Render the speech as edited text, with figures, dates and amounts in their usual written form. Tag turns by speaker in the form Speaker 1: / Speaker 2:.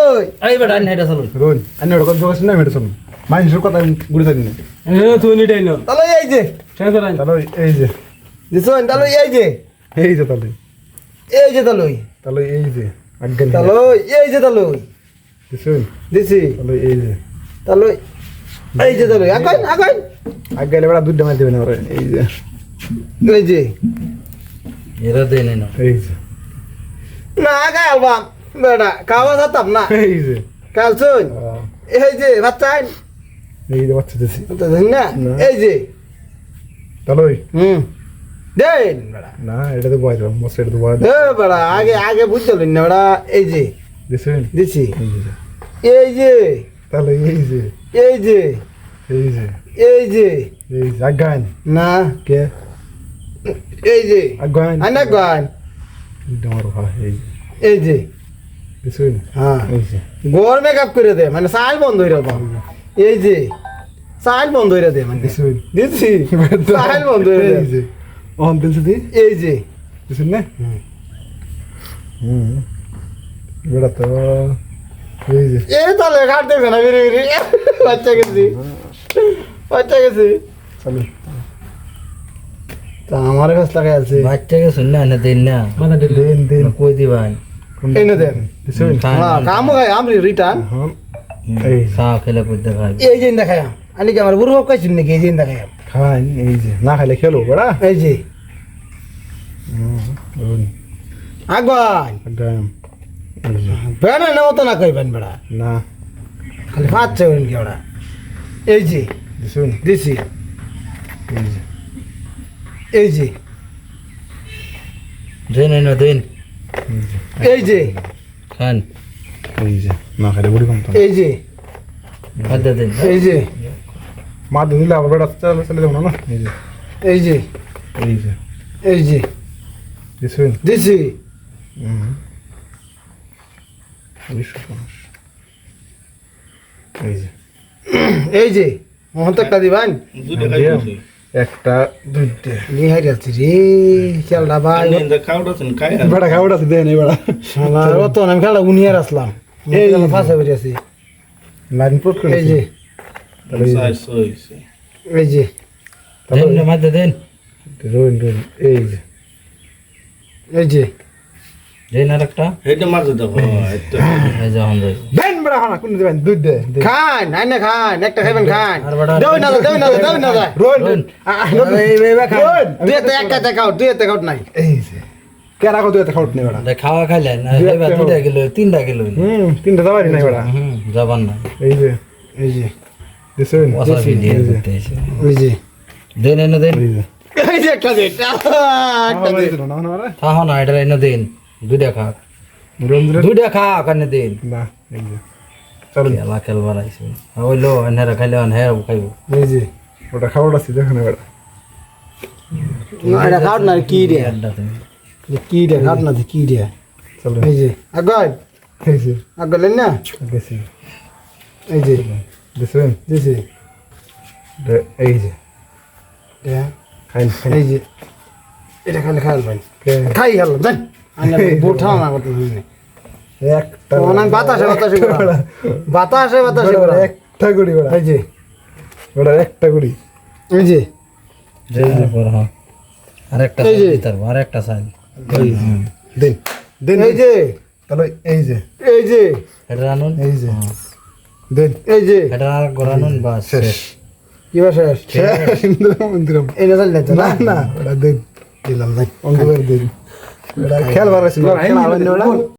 Speaker 1: ওই
Speaker 2: এই বেটা নেটা চলো
Speaker 3: রোন আন্নে ওটা কথা শুনে মেরে শুনুন মানুষের কথা গুড়ি থাকি না
Speaker 4: তুই নিটাই না
Speaker 1: তাহলে এই যে
Speaker 4: শেষ করাই
Speaker 3: তাহলে এই যে
Speaker 1: দিছুন তাহলে এই যে
Speaker 3: তাহলে
Speaker 1: এই যে তাহলে
Speaker 3: তাহলে এই যে আজ্ঞান
Speaker 1: তাহলে এই যে তাহলে
Speaker 3: দিছুন
Speaker 1: দিছি
Speaker 3: তাহলে এই যে
Speaker 1: তাহলে এই যে তাহলে আগাই আগাই
Speaker 3: আজ্ঞান এবার দুধ মার দেবেন ওরে এই যে
Speaker 1: এই যে
Speaker 2: এরা দেই না
Speaker 3: এই যে
Speaker 1: না আগাই আলবাম বেটা খাওয়া যেতাম না
Speaker 3: এই যে
Speaker 1: কালছুন এই যে বাচ্চা
Speaker 3: এই যে বাচ্চা দিছি
Speaker 1: না
Speaker 3: না।
Speaker 1: এই যে
Speaker 3: তাহলে
Speaker 1: দেন বেটা
Speaker 3: না এটা তো বয় দাও মস্ত এটা তো বয় দাও
Speaker 1: এ বেটা আগে আগে বুঝতেন না বেটা এই যে
Speaker 3: দিছুন
Speaker 1: দিছি
Speaker 3: এই যে
Speaker 1: এই যে
Speaker 3: তাহলে এই যে
Speaker 1: এই যে
Speaker 3: এই যে
Speaker 1: এই যে
Speaker 3: এই যে আজ্ঞান
Speaker 1: না
Speaker 3: কে
Speaker 1: এই যে
Speaker 3: আজ্ঞান
Speaker 1: আনা গান
Speaker 3: দুধ মারো হ্যাঁ এই যে
Speaker 1: এই যে
Speaker 3: দিছুন
Speaker 1: হ্যাঁ
Speaker 3: এই যে
Speaker 1: গোর মেকআপ করে দে মানে সাইল বন্ধ হইরা দাও এই যে সাইল বন্ধ হইরা দে মানে
Speaker 3: দিছুন
Speaker 1: দিছি সাইল বন্ধ হইরা
Speaker 3: এই
Speaker 1: দে
Speaker 3: যে অন দিছি দি
Speaker 1: এই যে
Speaker 3: দিছুন না বেড়া তো এই যে
Speaker 1: এই তাহলে ঘাট দেখবে না বিরি বিরি বাচ্চা গেছি বাচ্চা গেছি
Speaker 3: চলো
Speaker 1: তা আমার কাছে লাগাই আছে
Speaker 2: বাচ্চাকে শুন না দেন না
Speaker 4: মাথা দিল
Speaker 3: দেন দেন
Speaker 2: কই দিবান
Speaker 1: এই না দেন
Speaker 3: দিছুন
Speaker 1: হ্যাঁ কাম হয় আমি রিটার্ন
Speaker 3: হ্যাঁ এই
Speaker 2: চা খেলে কই দেখাই
Speaker 1: এই যে দেখাই আনি কি আমার বুড়ো কইছিন নাকি এই যে দেখাই
Speaker 3: খান এই যে না খাইলে খেলো বেড়া
Speaker 1: এই যে
Speaker 3: রোন
Speaker 1: আগান
Speaker 3: আজ্ঞান এই যে
Speaker 1: বেড়া না তো না কইবেন বেড়া
Speaker 3: না
Speaker 1: খালি পাঁচ ছয় কি ওরা এই যে
Speaker 3: দিছুন
Speaker 1: দিছি
Speaker 3: এই যে
Speaker 1: এই যে
Speaker 2: দেন না দেন
Speaker 1: এই যে
Speaker 2: খান
Speaker 3: এই যে না খাইলে বুড়ি কম তো
Speaker 1: এই যে
Speaker 2: খাদ্য দেন
Speaker 1: এই যে
Speaker 3: মা দিলে আবার বেড়া চলে চলে যাবো না এই যে
Speaker 1: এই যে
Speaker 3: এই যে
Speaker 1: এই যে
Speaker 3: দিছুন
Speaker 1: দিছি
Speaker 3: এই যে
Speaker 1: এই যে মোহন তো একটা দিবান
Speaker 3: একটা দুইটা
Speaker 1: নিহাই যাচ্ছি রে খেলটা ভাই
Speaker 3: বেড়া খাওয়াটা দেন এই বেড়া
Speaker 1: আমার অত আমি খেলা উনিয়ার আসলাম এই ফাঁসে বেরিয়ে আছি
Speaker 3: লাইন প্রোট করে
Speaker 1: এই যে এই যে
Speaker 2: দেন না মাঝে দেন
Speaker 3: রোন রোন এই যে
Speaker 1: এই যে
Speaker 2: দেন আর একটা এই যে হন যাই
Speaker 3: দেন বেড়া খানা কোন দিবেন দুধ দে
Speaker 1: খান আইনে খান একটা খাবেন খান
Speaker 2: আর বড়
Speaker 1: দেও না দেও না
Speaker 3: রোন
Speaker 1: দুই একটা একটা দেখাও দুই একটা কাউট নাই
Speaker 3: এই যে কেরা কত এত খাওয়াট নেই বেড়া
Speaker 2: খাওয়া খাইলে না এবার 2 কিলো 3 কিলো
Speaker 3: তিনটা যাবারই নাই বেড়া
Speaker 2: যাবান না
Speaker 3: এই যে
Speaker 1: এই যে
Speaker 3: দিছুন
Speaker 2: ওসা ভিডিও করতে এসে
Speaker 1: এই যে
Speaker 2: দেন না দেন
Speaker 3: এই যে
Speaker 1: এই যে একটা দে একটা দে
Speaker 3: না না না
Speaker 2: তাহ না এটা না দেন দুইটা খা
Speaker 3: রোন রোন
Speaker 2: দুইটা খা কানে দেন
Speaker 3: না এই যে চলো
Speaker 2: খেলা খেলবার আইছে হইলো এনারা খাইলে এনারা খাইবো
Speaker 1: এই যে
Speaker 3: ওটা খাওয়াটা সিধা খানে বেড়া
Speaker 1: না এটা কাউট না কি রে
Speaker 2: আড্ডা তুমি
Speaker 1: কি রে কাউট না কি রে
Speaker 3: চলো
Speaker 1: এই যে আগাই
Speaker 3: এই যে
Speaker 1: আগালেন না
Speaker 3: গেছি
Speaker 1: এই যে
Speaker 3: দিছুন
Speaker 1: দিছি
Speaker 3: এই যে
Speaker 1: হ্যাঁ
Speaker 3: খাইন
Speaker 1: এই যে এটা খালি খাইল ভাই
Speaker 3: কে
Speaker 1: খাই গেল জান আমি বোঠা না করতে হইনি
Speaker 3: একটা
Speaker 1: অনেক বাতাসে বাতাসে বাতাসে বাতাসে
Speaker 3: একটা গুড়ি বেড়া
Speaker 1: এই যে
Speaker 3: ওটা একটা গুড়ি
Speaker 1: এই যে
Speaker 2: হ্যাঁ আরেকটা
Speaker 1: এই যে।
Speaker 2: দিতার আরেকটা সাইন
Speaker 3: দেন দেন
Speaker 1: এই যে
Speaker 3: তাহলে এই যে
Speaker 1: এই যে
Speaker 2: এটা আনুন
Speaker 3: এই যে দেন
Speaker 1: এই যে
Speaker 2: এটা আর গরানুন বাস শেষ
Speaker 1: কি ভাষা
Speaker 3: ইন্দিরাম
Speaker 1: এই না জানলে তো
Speaker 3: না না ওটা দেন
Speaker 1: দিলাম ভাই
Speaker 3: অঙ্গবের দেন ওটা খেলবার আছে